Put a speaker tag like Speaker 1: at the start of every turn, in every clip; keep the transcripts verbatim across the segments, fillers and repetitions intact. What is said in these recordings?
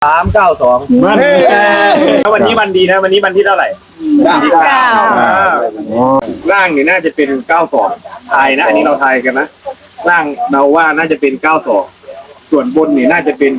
Speaker 1: สามเก้าสองแล้ววันนี้วันดีนะวันนี้วันที่เท่าไหร่เก้าร่างนี่น่าจะเป็นเก้าสองทายนะอันนี้เราทายกันนะร่างเราว่าน่าจะเป็นเก้าสองส่วนบนนี่น่าจะเป็น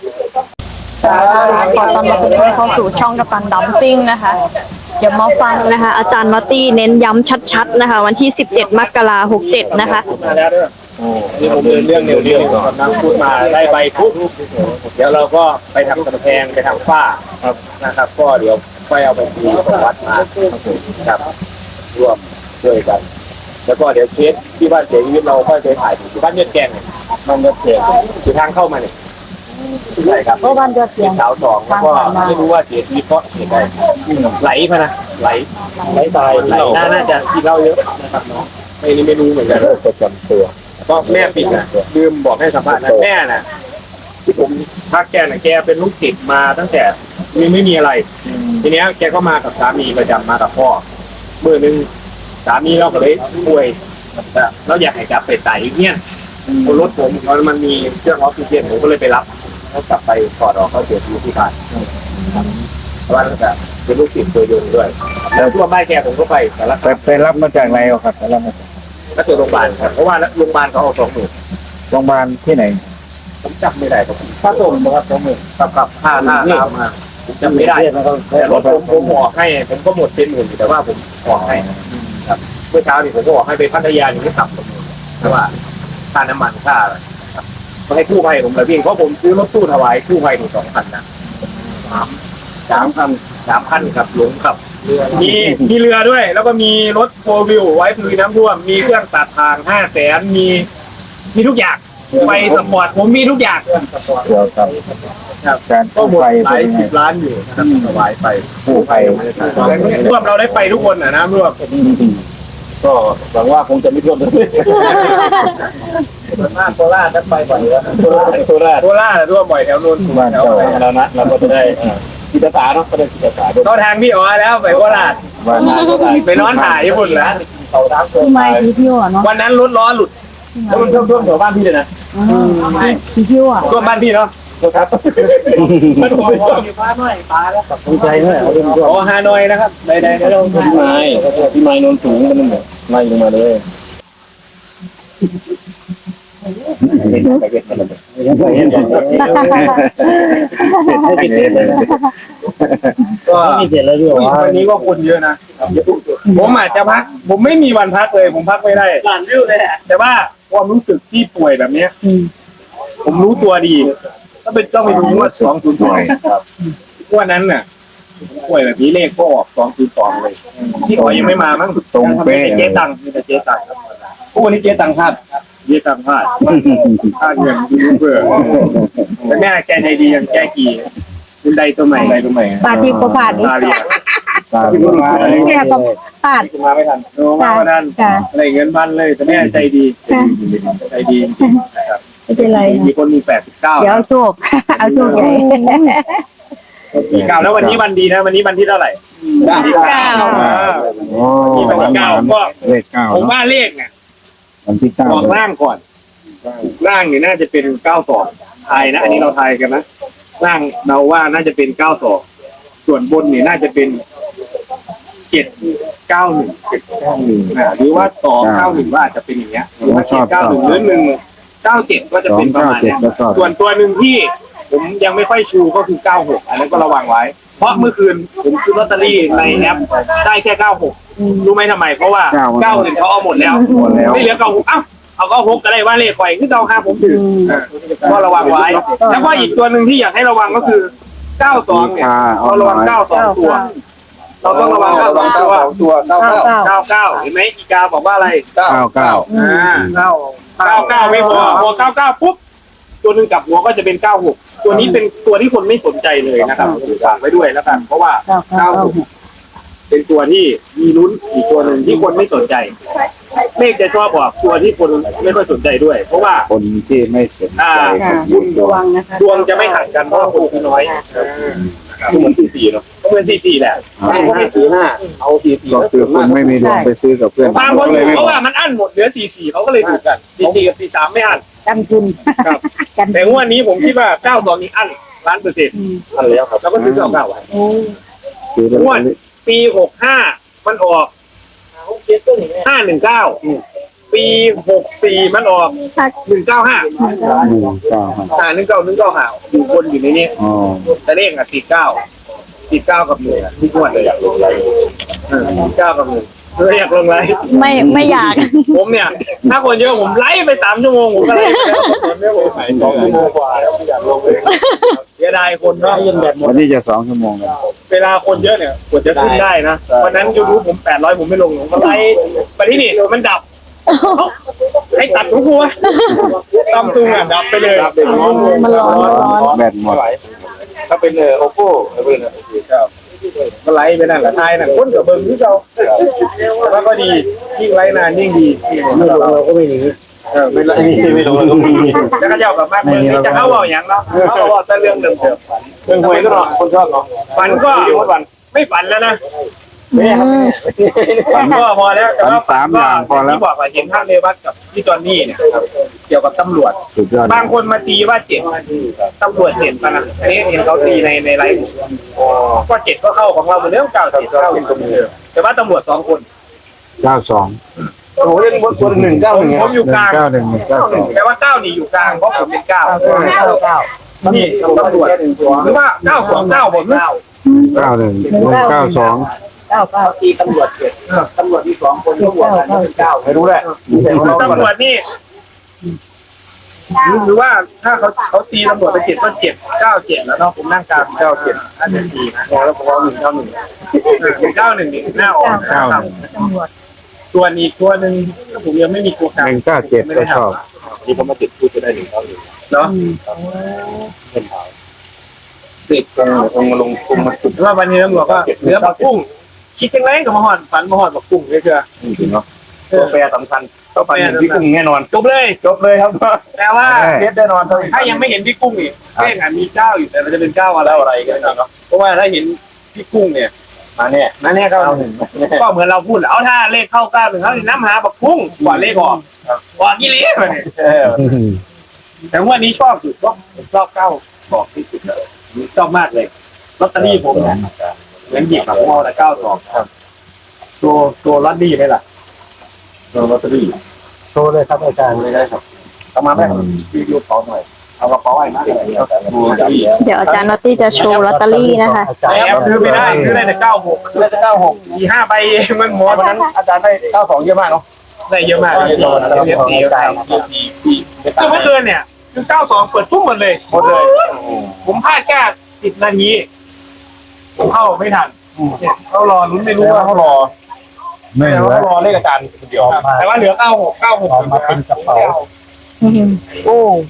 Speaker 2: ขอต้อนรับทุกท่านเข้าสู่ช่องกัปตันดัมซิ่งนะคะเดี๋ยวมาฟังนะคะอาจารย์นอตตี้เน้นย้ำชัดๆนะคะวันที่สิบเจ็ดมกราคมหกเจ็ดนะคะ
Speaker 1: มาแล้วด้วยนี่ผมเดินเรื่องเร็วๆก่อนนะพูดมาได้ใบปุ๊บเดี๋ยวเราก็ไปทำกำแพงไปทำฝ้าครับนะครับก็เดี๋ยวค่อยเอาไปทีของวัดมาครับร่วมช่วยกันแล้วก็เดี๋ยวเคสที่บ้านเสียชีวิตเราค่อยไปถ่ายที่บ้านเยือกแกงบ้านเยือกแกงคือทางเข้ามาเนี่ยใช่ครับ
Speaker 2: บ้านเยือกแกง
Speaker 1: สาวสองแล้วก็ไม่รู้ว่าเสียชีวิตเพราะเหตุใดไหลพะนะไหลไหลตายไหลน่าจะที่เล่าเยอะนะครับเนาะไม่นี่ไม่รู้เหมือนกันประจำตัวก็แม่ปิดนะลืมบอกให้สัมภาษณ์นะแม่น่ะที่ผมทักแกน่ะแกเป็นลูกศิษย์มาตั้งแต่ยังไม่มีอะไรทีเนี้ยแกก็มากับสามีประจำมากับพ่อเมื่อนึงสามีเราก็เลยป่วยแล้วอยากให้กลับไปไต่อย่างเงี้ยรถผมเขามันมีเครื่องออกซิเจนผมก็เลยไปรับแล้วกลับไปถอดออกเขาเสียชีวิตที่บ้านเพราะว่าจะเป็นลูกศิษย์ตัวยงด้วยแล้วทั่วบ้านแกผมก็ไปแต่ละ
Speaker 3: ไปรับมาจากไหนครับไปรับมา
Speaker 1: ก็คือโรงพยาบาลครับเพราะว่าโรงพยาบาลเขาเอาสองหมื่น
Speaker 3: โรงพยาบาลที่ไหน
Speaker 1: ผมจำไม่ได้ครับค่าส่งนะครับสองหมื่นกับกับค่าค่าตามมาผมจำไม่ได้แต่รถผมผมออกให้ผมก็หมดเป็นหมื่นแต่ว่าผมออกให้ครับเมื่อเช้านี่ผมก็ออกให้ไปพัทยาอยู่ที่ต่ำกว่าหมื่นเพราะว่าค่าน้ำมันค่าอะไรครับก็ให้กู้ภัยผมเลยพี่เพราะผมซื้อรถตู้ถวายกู้ภัยถึงสองพันนะสามสามพันสามพันครับหลงครับมีมีเรือด้วยแล้วก็มีรถโฟร์วิวไว้ลุยน้ำท่วมมีเครื่องตัดทางห้าแสนมีมีทุกอย่างไปสปอร์ตผมมีทุกอย่างเรื่องสปอร์ตครับการก็หมดหลายสิบล้านอยู่นะครับถวายไปผู้ภัยร่วมเราได้ไปทุกคนนะนะร่วมก็หวังว่าคงจะไม่ท่วมเลยส่วนมากโคราชนั้นไปบ่อยแล้วโคราชโคราชโคราชร่วมบ่อยแถวนู้นแถวแล้วนะเราก็จะได้กิจการเนาะก็ได้กิจการก็ทางพี่อ๋อแล้วไปโคราชไปนอนถ่ายญี่ปุ่นแล้วเขาทาง
Speaker 2: ที่ไม่ที่เที่ยวเนาะ
Speaker 1: วันนั้นรถล้อหลุดแล้วมันท่วมท่วมแถวบ้านพี่เลยนะ
Speaker 2: ที่เที่ยวอ่ะ
Speaker 1: ท่วมบ้านพี่เนาะครับมันท่วมอยู่ฟ้าหน่อยฟ้าแล้วตกใจเลยโอ้ฮานอยนะครับใดๆเราพี่ไม้พี่ไม้นนสูงมันแบบไล่ลงมาเลยก็มีเสร็จแล้วด้วยวันนี้ก็คนเยอะนะผมอาจจะพักผมไม่มีวันพักเลยผมพักไม่ได้หลานวิวเลยแต่ว่าความรู้สึกที่ป่วยแบบนี้ผมรู้ตัวดีก็เป็นต้องไปดูว่าสองศูนย์สองวันนั้นน่ะป่วยแบบนี้เลขก็ออกสองศูนย์สองเลยที่ขอยังไม่มามั้ง
Speaker 3: ตรงเป๊ะ
Speaker 1: เจ๊ตังมีแต่เจ๊ตังพวกวันนี้เจ๊ตังพลาดเจ๊ตังพลาดพลาดเงินเพื่อแต่แม่แกใจดียังแกกี่เป็นใดตัวใหม่ใดตัวใหม่
Speaker 2: ปาทีก็ผ่าน
Speaker 1: ปาที
Speaker 3: ตาพี่มา
Speaker 2: แม่ก็ผ่าน
Speaker 1: มาไม่ทันมาไม่ทันอะไรเงินพันเลยแต่แม่ใจดีใจดีจริงนะครับ
Speaker 2: ไม่เป็นไร
Speaker 1: มีคนมีแปดสิบเก้า
Speaker 2: เดี๋ยวโชคเอาโชคใหญ่
Speaker 1: ปีเก้าแล้ววันนี้วันดีนะวันนี้วันที่เท่าไหร่
Speaker 2: เก้า
Speaker 1: วันนี้วันที่เก้าก็
Speaker 3: เลขเก้า
Speaker 1: ผมว่าเลขเนี่ย
Speaker 3: วันที่เก้า
Speaker 1: บอกร่างก่อนร่างเนี่ยน่าจะเป็นเก้าสองทายนะอันนี้เราทายกันนะร่างเราว่าน่าจะเป็นเก้าสองส่วนบนเนี่ยน่าจะเป็นเจ็ดเก้าหนึ่งเจ็ดเก้าหนึ่งหรือว่าสองเก้าหนึ่งว่าอาจจะเป็นอย่างเงี้ยหรือว่าเจ็ดเก้าหนึ่งหรือหนึ่งเก้าเจ็ดก็จะเป็นประมาณนี้ส่วนตัวหนึ่งที่ผมยังไม่ค่อยชูก็คือเก้าหกอันนั้นก็ระวังไว้เพราะเมื่อคืนผมซื้อลอตเตอรี่ในแอปได้แค่เก้าหกรู้ไหมทำไมเพราะว่าเก้าหนึ่งเขาเอาหมดแล้วไม่เหลือเก้าหกอ้าวเอาก็หกก็ได้ว่าเลขไฟคือเก้าห้าผมถือก็ระวังไว้แล้วก็อีกตัวหนึ่งที่อยากให้ระวังก็คือเก้าสองเนี่ยเราระวังเก้าสองตัวเราต้องระวังเก้าสองตัวตัวเก้าเก้าเก้าเก้าเห็นไหมอีกาบอกว่าอะไร
Speaker 3: เก้าเก้า
Speaker 1: อ่าเก้าเก้าเก้าไม่พอพอเก้าเก้าปุ๊บตัวหนึ่งกับหัวก็จะเป็นเก้าหกตัวนี้เป็นตัวที่คนไม่สนใจเลยนะครับฝากไว้ด้วยแล้วกันเพราะว่าเก้าหกเป็นตัวที่มีลุ้นอีกตัวหนึ่งที่คนไม่สนใจเลขจะชอบบอกตัวที่คนไม่ค่อยสนใจด้วยเพราะว่า
Speaker 3: คนที่ไม่สนใจ
Speaker 2: ดวงนะคะ
Speaker 1: ดวงจะไม่ห่างกันเพราะคนคือน้อยเหมือนสี่สี่เนาะเหมือนสี่สี่แหละเขาไม่ซื้อห้าเอาสี่สี่
Speaker 3: ก็คือคุณไม่มีดวงไปซื้อกับเพื่อน
Speaker 1: บางคนเพราะว่ามันอั้นหมดเหลือสี่สี่เขาก็เลยถูกกันสี่สี่กับสี่สามไม่อั้น
Speaker 2: กันทุน
Speaker 1: แต่งวดนี้ผมคิดว่าเก้าสองนี้อั้นล้านเปอร์เซ็นต์อันแล้วครับแล้วก็ซื้อเก้าเก้าไว้
Speaker 3: ซื้อลอต
Speaker 1: งว
Speaker 3: เต
Speaker 1: ด
Speaker 3: อรี่
Speaker 1: ปีหกห้ามันออกห้าหนึ่งเก้าปีหกสี่มันออกหนึ่งเก้าห้า
Speaker 3: หนึ่งเก้าห้า
Speaker 1: อ่าหนึ่งเก้าหนึ่งเก้าห้าอยู่บนอยู่ในนี้
Speaker 3: อ๋อ
Speaker 1: แต่เลขอ่ะสี่เก้าสี่เก้ากับหนึ่งทุกงวดเลยอยากลงไลน์สี่เก้ากับหนึ่งเพื่ออยากลงไลน์
Speaker 2: ไม่ไม่อยาก
Speaker 1: ผมเนี่ยถ้าคนเยอะผมไลฟ์ไปสามชั่วโมงผมก็ไลฟ์ไปแล้วคนไม่ผมหายสองชั่วโมงกว่าแล้วไม่อยากลงเลยเสียดายคนเนาะยังแบบหม
Speaker 3: วั
Speaker 1: ด
Speaker 3: นนี้จะสองชั่วโมงแล้ว
Speaker 1: เวลาคนเยอะเนี่ยกว่าจะขึ้นได้นะวันนั้นยูทูบผมแปดร้อยผมไม่ลงผมก็ไลฟ์ไปที่นี่มันดับให้ตัดทุกหัวซัมซุงอ่ะดับไปเลย
Speaker 2: มันร้อนมันร้อน
Speaker 3: แบตหมด
Speaker 1: ถ้าเป็นเออโอโก้เป็นเออก็ไลฟ์ไปนั่นแหละทายนั่นคนกับเบิ้งที่เราแล้วก็ดียิ่งไลฟ์นานยิ่งดีไม่ลงเราก็ไม่หนีเออไม่ไลฟ์ไม่ลงเราก็ไม่หนีแล้วก็เจ้ากับมากเบิ้งจะเข้าเอาอย่างเนาะเขาบอกแต่เรื่องเดิมเรื่องหวยก็เนาะคนชอบเนาะฝันก็ไม่ฝันแล้วนะฝันก็พอแล้วแต่ว่าฝันก็ที่บอกว่าเห็นท่านเรวัตกับพี่จอนนี่เนี่ยเกี่ยวกับตำรวจ
Speaker 3: สุดยอด
Speaker 1: บางคนมาตีว่าเจ็ดตำรวจเจ็ดนะอันนี้เห็นเขาตีในในไลฟ์ก็เจ็ดก็เข้าของเราเหมือนเดิมเก้าเจ็ดเข้าเป็นตัวมือแต่ว่าตำรวจสองคน
Speaker 3: เก้าสอง
Speaker 1: โอ้โหเล่นบนตัวหนึ่งเก้าหนึ่งผมอยู่กลาง
Speaker 3: เก้าหนึ่งหนึ่งเก้าสอง
Speaker 1: แต่ว่าเก้านี่อยู่กลางเพราะผมเป็นเก้าเก้านี่ตำรวจหรือว่าเก้าสองเก้าผมเก้า
Speaker 3: เก้าหนึ่งหนึ่งเก้าสอง
Speaker 1: เก้าเก้าตีตำรวจเจ็ดตำรวจที่สองคนตำรวจนั้นเป็นเก้าไม่รู้แหละตำรวจนี่หรือว่าถ้าเขาเขาตีตำรวจไปเจ็ดก็เจ็ดเก้าเจ็ดแล้วเนาะผมนั่งกลางเก้าเจ็ดอันนี้ดีนะแล้วผมเอาหนึ่งเก้าหนึ่งเก้าหนึ่งหนึ่งหน้าออกนะครับตัวนี้ตัวหนึ่งผมยังไม่มีตัวกลาง
Speaker 3: หนึ่งเก้าเจ็ดก็ชอบ
Speaker 1: ที่ผมมาติดพูดจะได้หนึ่งเก้าหนึ่งเนาะติดองลงคุมมาสุดว่าวันนี้ตำรวจก็เหลือบักกุ้งคิดยังไงกับมาหอดฝันมาหอดบักกุ้งเชื่อจริงเนาะตัวแปรสำคัญต้องฝันเห็นพี่กุ้งแน่นอนจบเลยจบเลยครับแต่ว่าเทสแน่นอนถ้ายังไม่เห็นพี่กุ้งอีกเลขอ่ะมีเก้าอยู่แต่เราจะเป็นเก้าอะไรอะไรกันเนาะเพราะว่าถ้าเห็นพี่กุ้งเนี่ยมาเนี่ยมาเนี่ยเก้าหนึ่งก็เหมือนเราพูดเอาถ้าเลขเข้าเก้าหนึ่งเขาน้ำหาบักกุ้งกว่าเลขออกกว่ากี่เลขเนี่ยแต่ว่านี้ชอบสุดก็ชอบเก้าบอกที่สุดเลยชอบมากเลยลอตเตอรี่ผมเนี่ยเหมือนหยิบแบบมอละเก้าสองครับตัวตัวลอตเตอรี่ไหมล่ะตัวลอตเตอรี่โชว์เลยครับอาจารย์เลยได้ครับเอามาแม่รีวิวขอหน่อยเอากระเป๋าไว้นะ
Speaker 2: เดี๋ยวอาจารย์นอตตี้จะโชว์ลอตเตอรี่นะคะ
Speaker 1: แอปซื้อไม่ได้ซื้อได้แต่เก้าหกซื้อได้แต่เก้าหกสี่ห้าใบเองมันหมดวันนั้นอาจารย์ได้เก้าสองเยอะมากเนาะได้เยอะมากเลยตอนนั้นเรียนตีได้คือเมื่อคืนเนี่ยคือเก้าสองเปิดทุ่มหมดเลยหมดเลยผมพลาดแค่สิบนาทีผมเข้าไม่ทันเขารอลุ้นไม่รู้ว่าเขารอ
Speaker 3: ไม่เหลือ
Speaker 1: เขารอเลขอาจารย์เดียวแต่ว่าเหลือเก้าหกเก้าหกมาเป็นกระเป๋า
Speaker 2: โอ้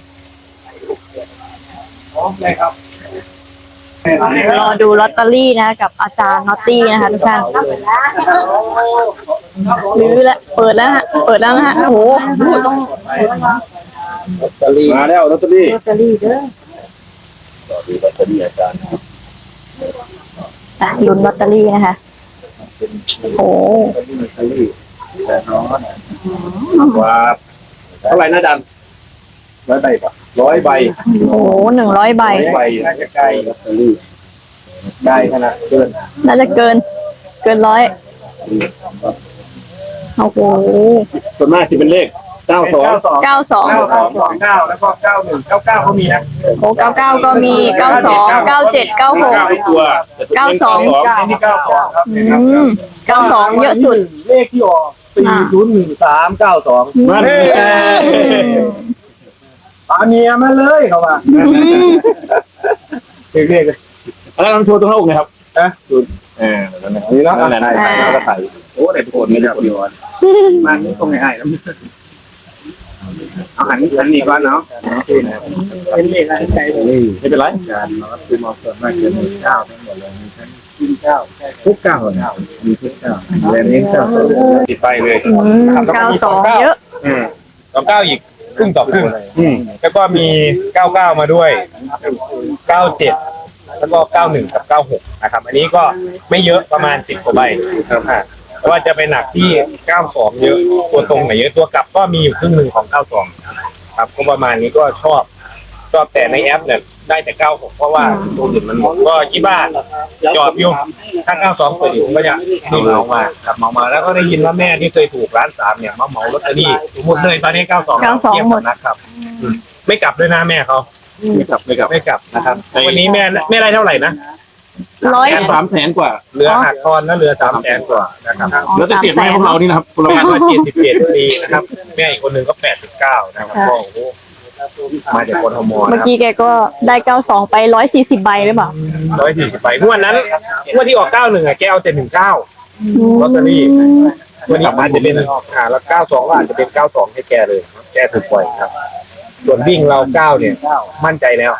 Speaker 1: ใช่ครับ
Speaker 2: รอดูลอตเตอรี่นะกับอาจารย์นอตตี้นะคะทุกท่านรื้อแล้วเปิดแล้วฮะเปิดแล้วนะฮะโอ้โหต้อง
Speaker 1: ลอตเตอรี่มาแล้วลอตเตอรี่
Speaker 2: ลอตเตอรี่เด้อ
Speaker 1: ลอตเตอรี่อาจารย์
Speaker 2: อ่ะลุ้นลอตเตอรี่นะคะโอ้
Speaker 1: ว่าเท่าไหร่นะอาจารย์ร้อยใบป่ะร้อยใบ
Speaker 2: โหหนึ่งร้อยใบ
Speaker 1: ใบน่าจะใกล้ลอตเตอรี่ใกล้ขนาดเกิน
Speaker 2: น่าจะเกิน เกินร้อยโอ้โห
Speaker 1: ส่วนมากจะเป็นเลขเก้าสอง
Speaker 2: เก้าสอง
Speaker 1: เก้าสองสองเก้าแล้วก็เก้าหนึ่งเก้าเก้าก็มีนะ
Speaker 2: โอ้เก้าเก้าก็มีเก้าสองเก้าเจ็ดเก้าหก
Speaker 1: ตัว
Speaker 2: เก้าสอง
Speaker 1: นี่เก้าสองครับ
Speaker 2: อืมเก้าสองเยอะสุด
Speaker 1: เลขที่ออกสี่ศูนย์หนึ่งสามเก้าสองมาเลยปาเมียมาเลยเขาว่าเรียกเลยแล้วเราโชว์ตรงหน้าอกเลยครับนะดูเออนี่เนาะอะไรนะแล้วก็ใส่โอ้ได้โคนนี่แหละคนเดียวมันนี่คงง่ายๆนะเอาหันหันนี่ก่อนเนาะเป็นเลขอะไรใจไม่เป็นไรการเนาะคือมองส่วนมากจะมีเก้าทั้งหมดเลยมีทั้งกินเก้าทุกเก้าเก้ามีทุกเก้าแรงนี้เก้าติดไปเลย
Speaker 2: อืมเก้าสองเยอะ
Speaker 1: อืมสองเก้าอีกครึ่งต่อครึ่งอืมแล้วก็มีเก้าเก้ามาด้วยเก้าเจ็ดแล้วก็เก้าหนึ่งกับเก้าหกนะครับ อันนี้ก็ไม่เยอะประมาณสิบกว่าใบครับแต่ว่าจะไปหนักที่เก้าสองเยอะตัวตรงไหนเยอะตัวกลับก็มีอยู่ครึ่งหนึ่งของเก้าสองครับก็ประมาณนี้ก็ชอบก็แต่ในแอปเนี่ยได้แต่เก้าหกเพราะว่าตัวอื่นมันหมดก็คิดว่าจอบอยู่ถ้าเก้าสองเปิดอยู่ผมก็จะเหมามาครับเหมามาแล้วก็ได้ยินว่าแม่ที่เคยถูกร้านสามเนี่ยมาเหมาลอตเตอรี่หมดเลยตอนนี้เก้าสอง
Speaker 2: เก้าสองหมด
Speaker 1: นะครับอืมไม่กลับด้วยนะแม่เขา
Speaker 4: ไม่กลับไม่กลับ
Speaker 1: ไม่กลับนะครับวันนี้แม่แม่ได้เท่าไหร่นะ
Speaker 2: ร้อย
Speaker 4: แสนสามแสนกว่า
Speaker 1: เรือหักคอนแล้วเรือสามแสนกว่านะครับ
Speaker 4: แล้วจะเก็บไว้พวกเรานี่นะครับพวกเรา
Speaker 1: แม่ก็เจ็ดสิบเจ็ดปีนะครับแม่อีกคนหนึ่งก็แปดสิบเก้านะครับก็โอ้โหมาจากคนทม
Speaker 2: เมื่อ
Speaker 1: นะ
Speaker 2: กี้แกก็ได้เก้าสองไปร้อยสี่สิบใบหรือเปล่า
Speaker 1: ร้อยสี่สิบใบงวดนั้นงวดที่ออกเก้าหนึ่งอะแกเอาแต่หนึ่งเก้า ลอตเตอรี่ วันนี้อาจจะเป็นอ่าแล้วเก้าสองก็อาจจะเป็นเก้าสองให้แกเลยแกถูกปล่อยครับ ส่วนวิ่งเราเก้าเนี่ย มั่นใจแล้ว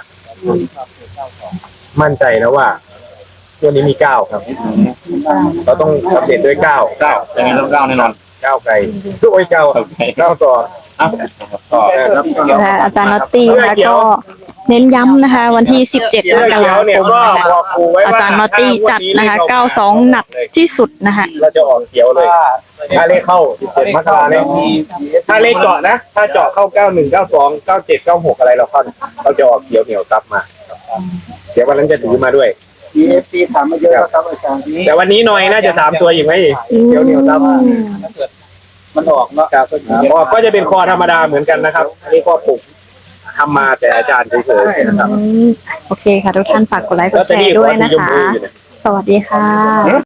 Speaker 1: มั่นใจแล้วว่าตัวนี้มีเก้าครับ เราต้องอัปเดตด้วยเก้า
Speaker 4: เก้ายังไงต้องเก้าแน่นอน
Speaker 1: เก้าไกลด้วยเก้าเก้าต่อ
Speaker 4: อ่ะต่อ
Speaker 1: ครับ
Speaker 2: นะคะอาจารย์นอตตี้นะคะก็เน้นย้ำนะคะ วันที่สิบเจ็ดมกราคมนะคะอาจารย์นอตตี้จัดนะคะเก้าสองหนักที่สุดนะคะ
Speaker 1: เราจะออกเขียวเลย ถ้าเลขเข้าสิบเจ็ดมกราเนี่ยถ้าเลขเจาะนะ ถ้าเจาะเข้าเก้าหนึ่งเก้าสองเก้าเจ็ดเก้าหกอะไรเราเข้าเราจะออกเขียวเหนียวซับมา เดี๋ยววันนั้นจะถือมาด้วย
Speaker 3: ดีเอสซีถามมาเยอะครับอาจารย์นี้
Speaker 1: แต่วันนี้หน่อยน่าจะสามตัวอีกไหมเขียวเหนียวซับ
Speaker 3: มันออกเนาะ
Speaker 1: ครับออกก็จะเป็นคอธรรมดาเหมือนกันนะครับ อันนี้ก็ผมทำมาแต่อาจารย์เฉยๆนะครับ
Speaker 2: อืมโอเคค่ะ ทุกท่านฝากกดไลค์กดแชร์ด้วยนะคะ สวัสดีค่ะ